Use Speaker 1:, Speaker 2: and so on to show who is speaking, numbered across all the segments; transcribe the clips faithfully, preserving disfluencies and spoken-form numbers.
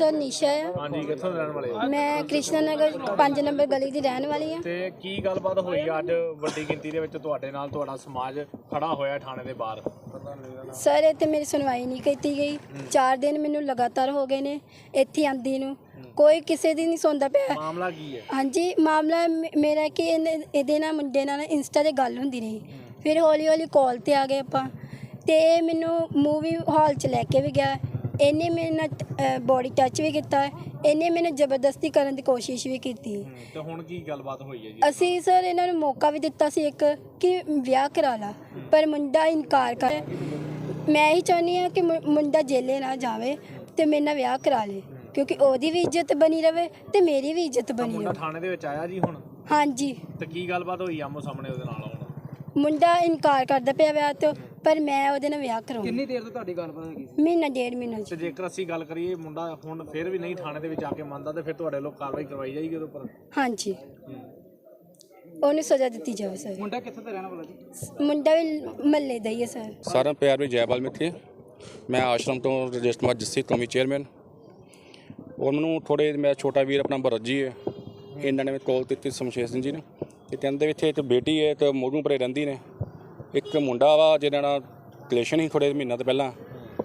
Speaker 1: Sir निशा है।
Speaker 2: हाँ जी, कित्थों दे रहने वाले हो?
Speaker 1: मैं कृष्णा नगर पांच नंबर गली की रहने वाली हाँ।
Speaker 2: ਤੇ ਕੀ ਗੱਲਬਾਤ ਹੋਈ ਅੱਜ ਵੱਡੀ ਗਿਣਤੀ ਦੇ ਵਿੱਚ ਤੁਹਾਡੇ ਨਾਲ ਤੁਹਾਡਾ ਸਮਾਜ ਖੜਾ ਹੋਇਆ ਥਾਣੇ ਦੇ ਬਾਹਰ?
Speaker 1: सर इतने मेरी सुनवाई नहीं की गई। चार दिन मैनू लगातार हो गए ने इत्थे आंदी नू, कोई किसी दी नहीं सुनता पिया।
Speaker 2: ਮਾਮਲਾ ਕੀ ਹੈ?
Speaker 1: हाँ जी, मामला मे- मेरा कि ਇਹਦੇ ਨਾਲ ਮੁੰਡੇ ਨਾਲ ਇੰਸਟਾ ਤੇ ਗੱਲ ਹੁੰਦੀ ਰਹੀ, ਫਿਰ ਹੌਲੀ ਹੌਲੀ ਕਾਲ ਤੇ ਆ ਗਏ ਆਪਾਂ ਤੇ ਇਹ ਮੈਨੂੰ ਮੂਵੀ ਹਾਲ ਚ ਲੈ ਕੇ ਵੀ ਗਿਆ। ਇਹਨੇ ਮੇਰੇ ਨਾਲ ਬੋਡੀ ਟੱਚ ਵੀ ਕੀਤਾ, ਇਹਨੇ ਮੈਨੂੰ ਜ਼ਬਰਦਸਤੀ ਕਰਨ ਦੀ ਕੋਸ਼ਿਸ਼ ਵੀ ਕੀਤੀ।
Speaker 2: ਤੇ ਹੁਣ ਕੀ ਗੱਲਬਾਤ ਹੋਈ ਹੈ ਜੀ?
Speaker 1: ਅਸੀਂ ਸਰ ਇਹਨਾਂ ਨੂੰ ਮੌਕਾ ਵੀ ਦਿੱਤਾ ਸੀ ਇੱਕ ਕਿ ਵਿਆਹ ਕਰਾ ਲਾ, ਪਰ ਮੁੰਡਾ ਇਨਕਾਰ ਕਰ। ਮੈਂ ਹੀ ਚਾਹੁੰਦੀ ਹਾਂ ਕਿ ਮੁ- ਮੁੰਡਾ ਜੇਲੇ ਨਾ ਜਾਵੇ ਤੇ ਮੇਰੇ ਨਾਲ ਵਿਆਹ ਕਰਾ ਲੇ, ਕਿਉਂਕਿ ਉਹਦੀ ਵੀ ਇੱਜ਼ਤ ਬਣੀ ਰਵੇ ਤੇ ਮੇਰੀ ਵੀ ਇੱਜ਼ਤ ਬਣੀ
Speaker 2: ਮੁੰਡਾ
Speaker 1: ਰਵੇ।
Speaker 2: ਥਾਣੇ ਦੇ ਵਿੱਚ ਆਇਆ ਜੀ ਹੁਣ?
Speaker 1: ਹਾਂਜੀ,
Speaker 2: ਤੇ ਕੀ ਗੱਲਬਾਤ ਹੋਈ ਆਮੋ ਸਾਹਮਣੇ ਉਹਦੇ ਨਾਲ? ਹੁਣ
Speaker 1: ਮੁੰਡਾ ਇਨਕਾਰ ਕਰਦਾ ਪਿਆ ਵਿਆਹ ਤੋਂ, ਪਰ ਮੈਂ ਉਹਦੇ ਨਾਲ ਵਿਆਹ ਕਰਾਉਣਾ।
Speaker 3: ਕਿੰਨੀ ਦੇਰ ਤੋਂ ਤੁਹਾਡੀ ਗੱਲਬਾਤ ਹੈਗੀ?
Speaker 1: ਮਹੀਨਾ ਡੇਢ ਮਹੀਨਾ
Speaker 2: ਤੇ
Speaker 1: ਜੀ।
Speaker 2: ਜੇਕਰ ਅਸੀਂ ਗੱਲ ਕਰੀਏ ਮੁੰਡਾ ਹੁਣ ਫਿਰ ਵੀ ਨਹੀਂ ਥਾਣੇ ਦੇ ਵਿੱਚ ਆ ਕੇ ਮੰਨਦਾ ਤੇ ਫਿਰ ਤੁਹਾਡੇ ਲੋਕ ਕਾਰਵਾਈ ਕਰਵਾਈ ਜਾਏਗੀ ਉਹਦੇ ਉੱਪਰ?
Speaker 1: ਹਾਂਜੀ, ਉਹਨੂੰ ਸਜ਼ਾ ਦਿੱਤੀ ਜਾਵੇ ਸਰ।
Speaker 3: ਮੁੰਡਾ ਕਿੱਥੇ ਦਾ ਰਹਿਣ ਵਾਲਾ ਜੀ?
Speaker 1: ਮੁੰਡਾ ਵੀ ਮਹੱਲੇ ਦਾ ਹੀ ਹੈ ਸਰ।
Speaker 4: ਸਾਰਿਆਂ ਪਿਆਰ ਵਿੱਚ ਜੈ ਵਾਲਮੀਕੀ। ਮੈਂ ਆਸ਼ਰਮ ਤੋਂ ਰਜਿਸਟਰ ਮਾਜ ਜੱਸੀ ਕੌਮੀ ਚੇਅਰਮੈਨ। ਔਰ ਮੈਨੂੰ ਥੋੜ੍ਹੇ ਮੇਰਾ ਛੋਟਾ ਵੀਰ ਆਪਣਾ ਭਰਤ ਜੀ ਹੈ, ਇਹਨਾਂ ਨੇ ਕਾਲ ਦਿੱਤੀ ਸ਼ਮਸ਼ੇਰ ਸਿੰਘ ਜੀ ਨੇ ਕਿ ਕਹਿੰਦੇ ਇੱਥੇ ਇੱਕ ਬੇਟੀ ਹੈ ਤੇ ਮੋਰੂ ਪਰੇ ਰਹਿੰਦੀ ਨੇ, ਇੱਕ ਮੁੰਡਾ ਵਾ ਜਿਹਨਾਂ ਨਾਲ ਰਿਲੇਸ਼ਨ ਹੀ ਥੋੜ੍ਹੇ ਮਹੀਨਾ ਤੋਂ ਪਹਿਲਾਂ,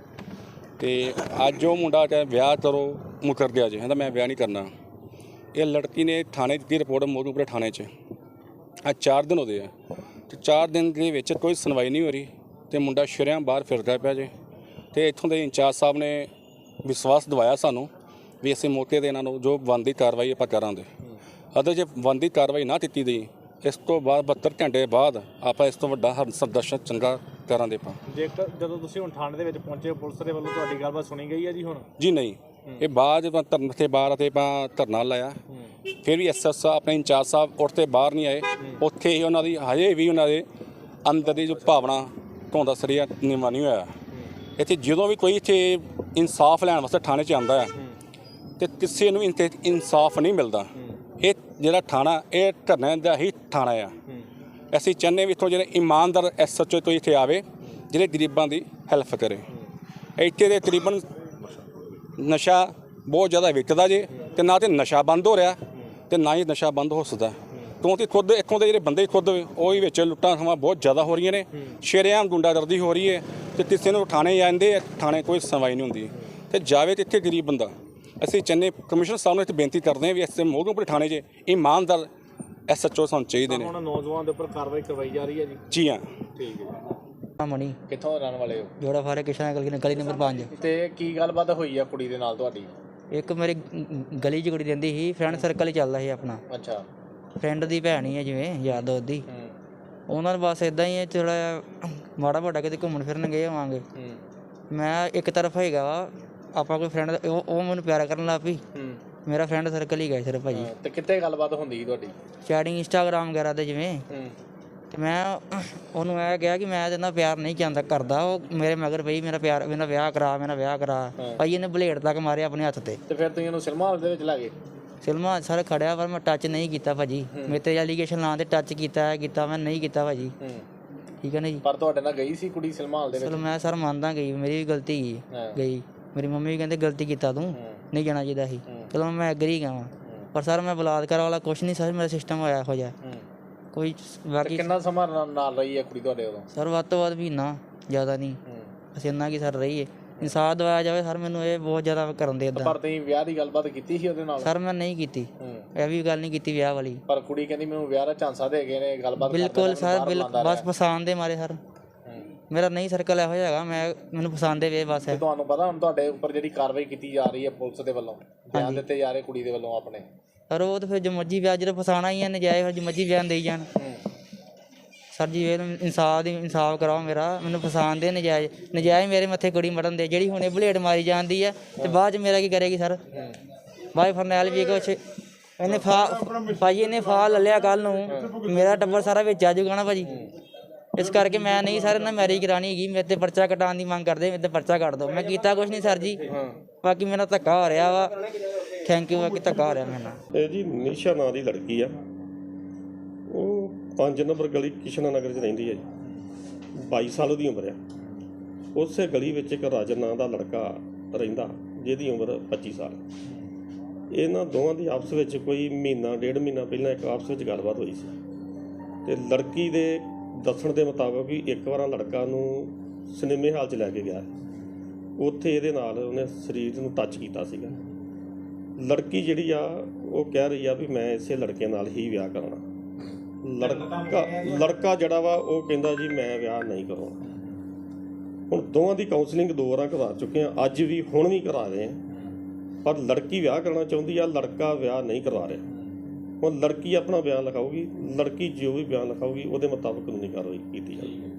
Speaker 4: ਤੇ ਅੱਜ ਉਹ ਮੁੰਡਾ ਚਾਹੇ ਵਿਆਹ ਕਰੋ ਮੁਕਰ ਗਿਆ ਜੀ, ਕਹਿੰਦਾ ਮੈਂ ਵਿਆਹ ਨਹੀਂ ਕਰਨਾ। ਇਹ ਲੜਕੀ ਨੇ ਥਾਣੇ ਦਿੱਤੀ ਰਿਪੋਰਟ ਮੋਰੂ ਪਰੇ ਥਾਣੇ 'ਚ। ਅੱਜ ਚਾਰ ਦਿਨ ਹੋਦੇ ਆ ਤੇ ਚਾਰ ਦਿਨ ਦੇ ਵਿੱਚ ਕੋਈ ਸੁਣਵਾਈ ਨਹੀਂ ਹੋ ਰਹੀ ਤੇ ਮੁੰਡਾ ਸ਼ਰੇਆਮ ਬਾਹਰ ਫਿਰਦਾ ਪਿਆ ਜੇ। ਤੇ ਇੱਥੋਂ ਦੇ ਇੰਚਾਰਜ ਸਾਹਿਬ ਨੇ ਵਿਸ਼ਵਾਸ ਦਿਵਾਇਆ ਸਾਨੂੰ ਵੀ ਅਸੀਂ ਮੌਕੇ 'ਤੇ ਇਹਨਾਂ ਨੂੰ ਜੋ ਬਣਦੀ ਕਾਰਵਾਈ ਆਪਾਂ ਕਰਾਂਗੇ। ਅਦਰ ਜੇ ਬਣਦੀ ਕਾਰਵਾਈ ਨਾ ਕੀਤੀ ਗਈ, ਇਸ ਤੋਂ ਬਾਅਦ ਬਹੱਤਰ ਘੰਟੇ ਬਾਅਦ ਆਪਾਂ ਇਸ ਤੋਂ ਵੱਡਾ ਸੰਦਰਸ਼ਨ ਚੰਗਾ ਕਰਾਂਗੇ ਆਪਾਂ।
Speaker 2: ਜੇਕਰ ਜਦੋਂ ਤੁਸੀਂ ਹੁਣ ਥਾਣੇ ਦੇ ਵਿੱਚ ਪਹੁੰਚੇ, ਪੁਲਿਸ ਦੇ ਵੱਲੋਂ ਤੁਹਾਡੀ ਗੱਲਬਾਤ ਸੁਣੀ ਗਈ ਹੈ ਜੀ ਹੁਣ?
Speaker 4: ਜੀ ਨਹੀਂ, ਇਹ ਬਾਅਦ ਜਦੋਂ ਧਰਨੇ ਤੇ ਬਾਹਰ ਅਤੇ ਆਪਾਂ ਧਰਨਾ ਲਾਇਆ, ਫਿਰ ਵੀ ਐਸ ਐਸ ਆਪਣੇ ਇੰਚਾਰਜ ਸਾਹਿਬ ਉੱਠ 'ਤੇ ਬਾਹਰ ਨਹੀਂ ਆਏ। ਉੱਥੇ ਹੀ ਉਹਨਾਂ ਦੀ ਹਜੇ ਵੀ ਉਹਨਾਂ ਦੇ ਅੰਦਰ ਦੀ ਜੋ ਭਾਵਨਾ ਧੋਂਦਾ ਸਰੀਆ ਨਿਵਾ ਨਹੀਂ ਹੋਇਆ। ਇੱਥੇ ਜਦੋਂ ਵੀ ਕੋਈ ਇੱਥੇ ਇਨਸਾਫ ਲੈਣ ਵਾਸਤੇ ਥਾਣੇ 'ਚ ਆਉਂਦਾ ਹੈ ਤੇ ਕਿਸੇ ਨੂੰ ਇੱਥੇ ਇਨਸਾਫ ਨਹੀਂ ਮਿਲਦਾ। ਇਹ ਜਿਹੜਾ ਥਾਣਾ ਇਹ ਧਰਨੇ ਦਾ ਹੀ ਥਾਣਾ ਆ। ਅਸੀਂ ਚਾਹੁੰਦੇ ਵੀ ਇੱਥੋਂ ਜਿਹੜੇ ਇਮਾਨਦਾਰ ਐਸ ਐਚ ਓ ਤੋਂ ਇੱਥੇ ਆਵੇ, ਜਿਹੜੇ ਗਰੀਬਾਂ ਦੀ ਹੈਲਪ ਕਰੇ। ਇੱਥੇ ਦੇ ਤਕਰੀਬਨ ਨਸ਼ਾ ਬਹੁਤ ਜ਼ਿਆਦਾ ਵਿਕਦਾ ਜੇ, ਤੇ ਨਾ ਤੇ ਨਸ਼ਾ ਬੰਦ ਹੋ ਰਿਹਾ ਤੇ ਨਾ ਹੀ ਨਸ਼ਾ ਬੰਦ ਹੋ ਸਕਦਾ, ਕਿਉਂਕਿ ਖੁਦ ਇੱਥੋਂ ਦੇ ਜਿਹੜੇ ਬੰਦੇ ਖੁਦ ਉਹ ਹੀ ਵਿੱਚ ਲੁੱਟਾਂ ਖੋਹਾਂ ਬਹੁਤ ਜ਼ਿਆਦਾ ਹੋ ਰਹੀਆਂ ਨੇ, ਸ਼ਰੇਆਮ ਗੁੰਡਾਗਰਦੀ ਹੋ ਰਹੀ ਹੈ ਤੇ ਕਿਸੇ ਨੂੰ ਥਾਣੇ ਜਾਂਦੇ ਆ, ਥਾਣੇ ਕੋਈ ਸੁਣਵਾਈ ਨਹੀਂ ਹੁੰਦੀ ਤੇ ਜਾਵੇ ਤੇ ਇੱਥੇ ਗਰੀਬ ਬੰਦਾ। ਅਸੀਂ ਚੰਨੇ ਕਮਿਸ਼ਨਰ ਸਾਹਿਬ ਨੂੰ ਇੱਥੇ ਬੇਨਤੀ ਕਰਦੇ ਹਾਂ ਵੀ ਇਸ ਮੋਹਰੋਂ ਥਾਣੇ 'ਚ ਇਮਾਨਦਾਰ ਐਸ ਐਚ ਓ ਸਾਨੂੰ ਚਾਹੀਦੇ ਨੇ।
Speaker 2: ਹੁਣ ਨੌਜਵਾਨ ਦੇ ਉੱਪਰ ਕਾਰਵਾਈ ਕਰਵਾਈ ਜਾ ਰਹੀ ਹੈ ਜੀ?
Speaker 4: ਜੀ ਹਾਂ।
Speaker 2: ਠੀਕ ਹੈ।
Speaker 3: ਮਣੀ
Speaker 2: ਕਿੱਥੋਂ ਦੇ ਰਹਿਣ ਵਾਲੇ ਹੋ?
Speaker 3: ਜੋੜਾ ਫਾਰੇ ਕਿਸ਼ਨਾ ਗਲੀ ਗਲੀ ਨੰਬਰ ਪੰਜ।
Speaker 2: ਤੇ ਕੀ ਗੱਲਬਾਤ ਹੋਈ ਆ ਕੁੜੀ ਦੇ ਨਾਲ ਤੁਹਾਡੀ?
Speaker 3: ਇੱਕ ਮੇਰੀ ਗਲੀ 'ਚ ਕੁੜੀ ਰਹਿੰਦੀ ਸੀ, ਫਰੈਂਡ ਸਰਕਲ ਹੀ ਚੱਲਦਾ ਸੀ ਆਪਣਾ।
Speaker 2: ਅੱਛਾ।
Speaker 3: ਫਰੈਂਡ ਦੀ ਭੈਣ ਹੀ ਹੈ ਜਿਵੇਂ ਯਾਰ ਦੋਸਤ ਦੀ। ਉਹਨਾਂ ਦਾ ਬਸ ਇਦਾਂ ਹੀ ਹੈ, ਥੋੜ੍ਹਾ ਜਿਹਾ ਮਾੜਾ ਮੋਟਾ ਕਿਤੇ ਘੁੰਮਣ ਫਿਰਨ ਗਏ ਹੋਵਾਂਗੇ। ਮੈਂ ਇੱਕ ਤਰਫ ਹੈਗਾ ਵਾ ਆਪਾਂ ਕੋਈ ਫਰੈਂਡ, ਉਹ ਉਹ ਮੈਨੂੰ ਪਿਆਰ ਕਰਨ ਲੱਗ ਪਈ। ਮੇਰਾ ਫਰੈਂਡ ਸਰਕਲ ਹੀ ਗਿਆ ਸਿਰਫ ਭਾਜੀ।
Speaker 2: ਤੇ ਕਿੱਥੇ ਗੱਲਬਾਤ ਹੁੰਦੀ ਸੀ ਤੁਹਾਡੀ?
Speaker 3: ਚੈਟਿੰਗ ਇੰਸਟਾਗ੍ਰਾਮ ਵਗੈਰਾ 'ਤੇ ਜਿਵੇਂ। ਤੇ ਮੈਂ ਉਹਨੂੰ ਇਹ ਕਿਹਾ ਕਿ ਮੈਂ ਇਹਦੇ ਨਾਲ ਪਿਆਰ ਨਹੀਂ ਜਾਂਦਾ ਕਰਦਾ। ਉਹ ਮੇਰੇ ਮਗਰ ਪਈ ਮੇਰਾ ਪਿਆਰ, ਮੇਰਾ ਵਿਆਹ ਕਰਾ, ਮੇਰਾ ਵਿਆਹ ਕਰਾ। ਭਾਈ ਇਹਨੇ ਬਲੇਡ ਤੱਕ ਮਾਰਿਆ ਆਪਣੇ ਹੱਥ ਤੇ।
Speaker 2: ਤੇ ਫਿਰ ਤੁਸੀਂ ਉਹਨੂੰ ਸਿਨੇਮਾ ਹਾਲ ਦੇ ਵਿੱਚ ਲੈ ਗਏ?
Speaker 3: ਸਿਨੇਮਾ ਸਰ ਖੜਿਆ ਪਰ ਮੈਂ ਟੱਚ ਨਹੀਂ ਕੀਤਾ ਭਾਜੀ। ਮੇਰੇ ਤੇ ਐਲੀਗੇਸ਼ਨ ਲਾਂ ਤੇ ਟੱਚ ਕੀਤਾ ਕੀਤਾ ਮੈਂ ਨਹੀਂ ਕੀਤਾ ਭਾਜੀ। ਠੀਕ ਹੈ ਨਾ ਜੀ।
Speaker 2: ਪਰ ਤੁਹਾਡੇ ਨਾਲ ਗਈ ਸੀ ਕੁੜੀ ਸਿਨੇਮਾ ਹਾਲ ਦੇ ਵਿੱਚ?
Speaker 3: ਚਲੋ ਮੈਂ ਸਰ ਮੰਨਦਾ ਗਈ, ਮੇਰੀ ਵੀ ਗਲਤੀ ਗਈ ਗਈ ਮੇਰੀ ਮੰਮੀ ਵੀ ਕਹਿੰਦੇ ਗਲਤੀ ਕੀਤਾ ਤੂੰ, ਨਹੀਂ ਜਾਣਾ ਚਾਹੀਦਾ ਸੀ। ਚਲੋ ਮੈਂ ਐਗਰੀ ਗਿਆ, ਪਰ ਸਰ ਮੈਂ ਬਲਾਤਕਾਰ ਵਾਲਾ ਕੁਛ ਨਹੀਂ ਸਰ, ਮੇਰਾ ਸਿਸਟਮ ਹੋਇਆ ਇਹੋ ਜਿਹਾ ਕੋਈ। ਬਾਕੀ
Speaker 2: ਕਿੰਨਾ ਸਮਾਂ ਨਾਲ ਰਹੀ ਹੈ ਕੁੜੀ ਤੁਹਾਡੇ ਉਦੋਂ?
Speaker 3: ਸਰ ਵੱਧ ਤੋਂ ਵੱਧ ਮਹੀਨਾ, ਜ਼ਿਆਦਾ ਨਹੀਂ। ਅਸੀਂ ਇੰਨਾ ਕੀ ਸਰ ਰਹੀ ਹੈ। ਇਨਸਾਫ ਦਵਾਇਆ ਜਾਵੇ ਸਰ, ਮੈਨੂੰ ਇਹ ਬਹੁਤ ਜ਼ਿਆਦਾ ਕਰਨ ਦੇ ਇੱਦਾਂ।
Speaker 2: ਪਰ ਤੁਸੀਂ ਵਿਆਹ ਦੀ ਗੱਲਬਾਤ ਕੀਤੀ ਸੀ ਉਹਦੇ ਨਾਲ?
Speaker 3: ਸਰ ਮੈਂ ਨਹੀਂ ਕੀਤੀ, ਇਹ ਵੀ ਗੱਲ ਨਹੀਂ ਕੀਤੀ ਵਿਆਹ ਵਾਲੀ।
Speaker 2: ਪਰ ਕੁੜੀ ਕਹਿੰਦੀ ਮੈਨੂੰ ਵਿਆਹ ਦਾ ਝਾਂਸਾ ਦੇ ਗਏ ਨੇ, ਗੱਲਬਾਤ
Speaker 3: ਬਿਲਕੁਲ ਸਰ, ਬਿਲਕੁਲ ਬਸ ਪਸੰਦ ਦੇ ਮਾਰੇ ਸਰ। ਮੇਰਾ ਨਹੀਂ ਸਰਕਲ ਇਹੋ ਜਿਹਾ ਹੈਗਾ, ਮੈਂ ਮੈਨੂੰ ਪਸੰਦ ਦੇ ਵੇ ਬਸ।
Speaker 2: ਤੁਹਾਨੂੰ ਪਤਾ ਹੁਣ ਤੁਹਾਡੇ ਉੱਪਰ ਜਿਹੜੀ ਕਾਰਵਾਈ ਕੀਤੀ ਜਾ ਰਹੀ ਹੈ ਪੁਲਿਸ ਦੇ ਵੱਲੋਂ, ਬਿਆਨ ਦਿੱਤੇ ਜਾ ਰਹੇ ਕੁੜੀ ਦੇ ਵੱਲੋਂ ਆਪਣੇ?
Speaker 3: ਸਰ ਉਹ ਤਾਂ ਫਿਰ ਜੋ ਮਰਜ਼ੀ ਵਿਆਹ ਜਦੋਂ ਫਸਾਉਣਾ ਹੀ ਹੈ ਨਜਾਇਜ਼, ਫਿਰ ਜੋ ਮਰਜ਼ੀ ਬਿਆਨ ਦੇਈ ਜਾਣ। ਸਰ ਜੀ ਇਹ ਇਨਸਾਫ ਦੀ ਇਨਸਾਫ ਕਰਾਓ ਮੇਰਾ, ਮੈਨੂੰ ਪਸੰਦ ਦੇ ਨਜਾਇਜ਼ ਨਜਾਇਜ਼ ਮੇਰੇ ਮੱਥੇ ਕੁੜੀ ਮੜਨ ਦੇ, ਜਿਹੜੀ ਹੁਣੇ ਬਲੇਡ ਮਾਰੀ ਜਾਂਦੀ ਹੈ ਤੇ ਬਾਅਦ 'ਚ ਮੇਰਾ ਕੀ ਕਰੇਗੀ ਸਰ? ਬਾਈ ਫਰਨੈਲ ਵੀ ਕੁਛ ਇਹਨੇ ਫਾ ਭਾਜੀ ਇਹਨੇ ਫਾ ਲੈ ਲਿਆ ਕੱਲ੍ਹ ਨੂੰ, ਮੇਰਾ ਟੱਬਰ ਸਾਰਾ ਵਿੱਚ ਆ ਜਾਊਗਾ ਨਾ ਭਾਜੀ। ਇਸ ਕਰਕੇ ਮੈਂ ਨਹੀਂ ਸਰ ਇਹਨਾਂ ਮੈਰਿਜ ਕਰਾਉਣੀ ਹੈਗੀ। ਮੇਰੇ 'ਤੇ ਪਰਚਾ ਕਟਾਉਣ ਦੀ ਮੰਗ ਕਰਦੇ, ਮੇਰੇ 'ਤੇ ਪਰਚਾ ਕੱਟ ਦਿਓ। ਮੈਂ ਕੀਤਾ ਕੁਛ ਨਹੀਂ ਸਰ ਜੀ, ਬਾਕੀ ਮੇਰਾ ਧੱਕਾ ਹੋ ਰਿਹਾ ਵਾ। Thank you. ਬਾਕੀ ਧੱਕਾ ਹੋ ਰਿਹਾ ਮੇਰੇ ਨਾਲ।
Speaker 5: ਇਹ ਜੀ ਨਿਸ਼ਾ ਨਾਂ ਦੀ ਲੜਕੀ ਆ, ਉਹ ਪੰਜ ਨੰਬਰ ਗਲੀ ਕਿਸ਼ਨਾ ਨਗਰ 'ਚ ਰਹਿੰਦੀ ਹੈ ਜੀ। ਬਾਈ ਸਾਲ ਦੀ ਉਮਰ ਆ। ਉਸੇ ਗਲੀ ਵਿੱਚ ਇੱਕ ਰਾਜਨ ਨਾਂ ਦਾ ਲੜਕਾ ਰਹਿੰਦਾ, ਜਿਹਦੀ ਉਮਰ ਪੱਚੀ ਸਾਲ। ਇਹਨਾਂ ਦੋਵਾਂ ਦੀ ਆਪਸ ਵਿੱਚ ਕੋਈ ਮਹੀਨਾ ਡੇਢ ਮਹੀਨਾ ਪਹਿਲਾਂ ਇੱਕ ਆਪਸ ਵਿੱਚ ਗੱਲਬਾਤ ਹੋਈ ਸੀ ਤੇ ਲੜਕੀ ਦੇ ਦੱਸਣ ਦੇ ਮੁਤਾਬਕ ਵੀ ਇੱਕ ਵਾਰ ਲੜਕਾ ਨੂੰ ਸਿਨੇਮੇ ਹਾਲ 'ਚ ਲੈ ਕੇ ਗਿਆ, ਉੱਥੇ ਇਹਦੇ ਨਾਲ ਉਹਨੇ ਸਰੀਰ ਨੂੰ ਟੱਚ ਕੀਤਾ ਸੀਗਾ। ਲੜਕੀ ਜਿਹੜੀ ਆ ਉਹ ਕਹਿ ਰਹੀ ਆ ਵੀ ਮੈਂ ਇਸੇ ਲੜਕੇ ਨਾਲ ਹੀ ਵਿਆਹ ਕਰਨਾ। ਲੜਕਾ ਲੜਕਾ ਜਿਹੜਾ ਵਾ ਉਹ ਕਹਿੰਦਾ ਜੀ ਮੈਂ ਵਿਆਹ ਨਹੀਂ ਕਰਾਉਣਾ। ਹੁਣ ਦੋਵਾਂ ਦੀ ਕਾਉਂਸਲਿੰਗ ਦੋ ਵਾਰਾਂ ਕਰਾ ਚੁੱਕੇ ਆ, ਅੱਜ ਵੀ ਹੁਣ ਵੀ ਕਰਾ ਰਹੇ ਆ, ਪਰ ਲੜਕੀ ਵਿਆਹ ਕਰਨਾ ਚਾਹੁੰਦੀ ਆ, ਲੜਕਾ ਵਿਆਹ ਨਹੀਂ ਕਰਵਾ ਰਿਹਾ। ਹੁਣ ਲੜਕੀ ਆਪਣਾ ਬਿਆਨ ਲਿਖਾਊਗੀ, ਲੜਕੀ ਜੋ ਵੀ ਬਿਆਨ ਲਿਖਾਊਗੀ ਉਹਦੇ ਮੁਤਾਬਕ ਕਾਨੂੰਨੀ ਕਾਰਵਾਈ ਕੀਤੀ ਜਾਵੇਗੀ।